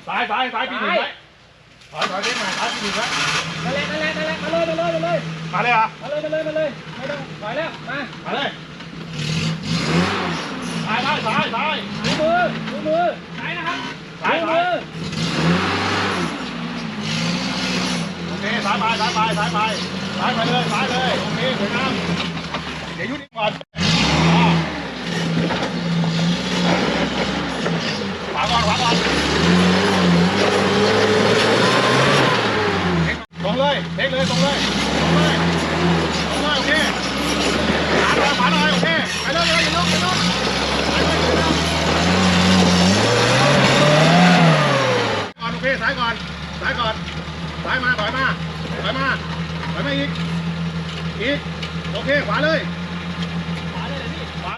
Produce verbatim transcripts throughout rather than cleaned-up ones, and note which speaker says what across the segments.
Speaker 1: ซ้ายซ้ายซ้ายปีหนึ่งไว้ถอยถอยเด้งมาซ้ายปีหนึ่งไว้นั่นแหละนั่นแหละนั่นแหละมาเลยมาเลยมาเลยมาเลยเหรอมาเลยมาเลยมาเลยไม่ต้องถอยแล้วมามาเลยซ้ายซ้ายซ้ายซ้ายดูมือดูมือซ้ายนะครับซ้ายมือโอเคซ้ายไปซ้ายไปซ้ายไปซ้ายไปเลยซ้ายเลยโอเคสวยงามเดี๋ยวยุติก่อนขวาก่อนขวาก่อนตรงเลยเด็กเลยตรงเลยตรงเลยตรงเลยโอเคขวาหน่อยขวาหน่อยโอเคไปเลยเลยอย่าลุกอย่าลุกไปเลยก่อนโอเคซ้ายก่อนซ้ายก่อนซ้ายมาถอยมาถอยมาถอยมาอีกอีกโอเคขวาเลยขวาเลยเลยพี่ขวา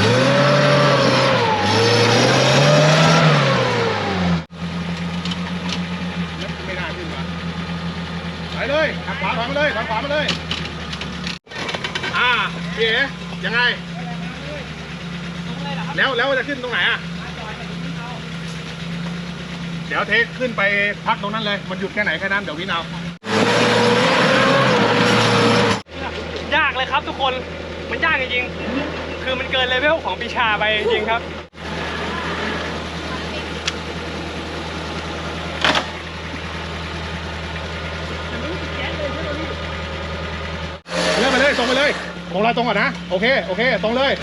Speaker 1: ไม่น่าขึ้นมาไปเลยขับขวาถอยมาเลยขับขวามาเลยอ่าพี่เอ๋ยังไงแล้วแล้วจะขึ้นตรงไหนอ่ะเดี๋ยวเทคขึ้นไปพักตรงนั้นเลยมันหยุดแค่ไหนแค่นั้นเดี๋ยววินเอา
Speaker 2: ยากเลยครับทุกคนมันยากจริงๆคือมันเกินเลเวลของปีชาไปจริงครับ
Speaker 1: เลื่อนไปเลยตรงไปเลยตรงเราตรงก่อนนะโอเคโอเคตรงเลย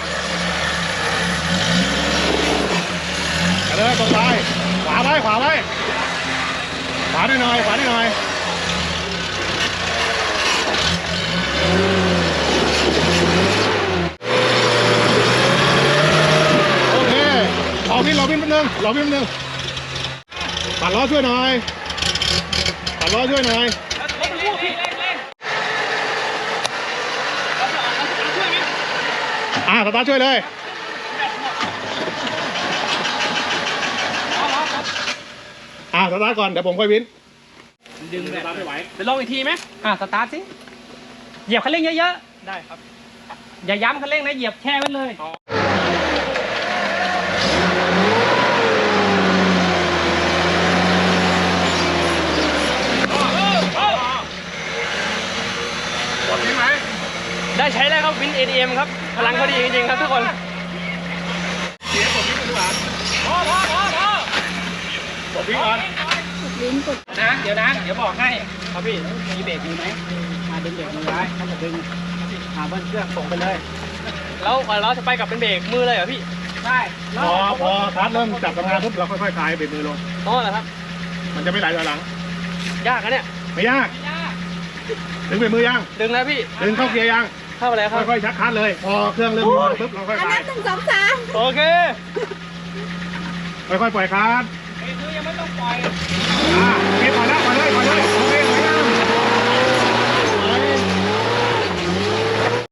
Speaker 1: ไปเลยตรงไปขวาไว้ขวาไว้ขวาหน่อยขวาหน่อยโอเครอวิ่งรอวิ่งแป๊บนึงรอวิ่งแป๊บนึงปัดล้อช่วยหน่อยปัดล้อช่วยหน่อยอ่าสตาร์ทช่วยเลยอ่าสตาร์ทก่อนเดี๋ยวผมค่อยวิน
Speaker 2: ดึงแบบไม่ไหวไปลองอีกทีไหมอ่าสตาร์ทสิเหยียบคันเร่งเยอะๆได้ครับอย่าย้ำคันเร่งนะเหยียบแช่ไว้เลย
Speaker 1: กดวินไหม
Speaker 2: ได้ใช้แล้วครับวิน เอ ที เอ็ม ครับพลังเขาดีจริงๆครับทุกคน
Speaker 1: เสียกดวินดีกว่าพอพอพอพอกดวินก่อน
Speaker 2: นะเดี๋ยวนะเดี๋ยวบอกให้ครับพี่มีเบรกมีไหมมาดึงเบรกมือไว้ถ้าจะดึงหาเบิ้ลเครื่องส่งไปเลยแล้วเราจะไปกับเป็นเบรกมือเลยเหรอพี่ใช่
Speaker 1: พอพอคัสเริ่มจับทำงานปุ๊บเราค่อยๆคลายเบรกมือลง
Speaker 2: อ๋อเหรอครับ
Speaker 1: มันจะไม่ไหลถอยหลัง
Speaker 2: ยากนะเนี่ย
Speaker 1: ไม่ยากดึงเบรกมือยัง
Speaker 2: ดึงแล้วพี่
Speaker 1: ดึงเข้าเกียร์ยัง
Speaker 2: เข้าไปแล้วครับ
Speaker 1: ค่อยๆชักคัสเลยพอเครื่องเริ่มปุ๊บเราค่อยๆคลาย
Speaker 3: หนึ่งสองสาม
Speaker 2: โอเค
Speaker 1: ค่อยๆปล่อยคัส
Speaker 2: เบรกมือยังไม่ต้องปล่อย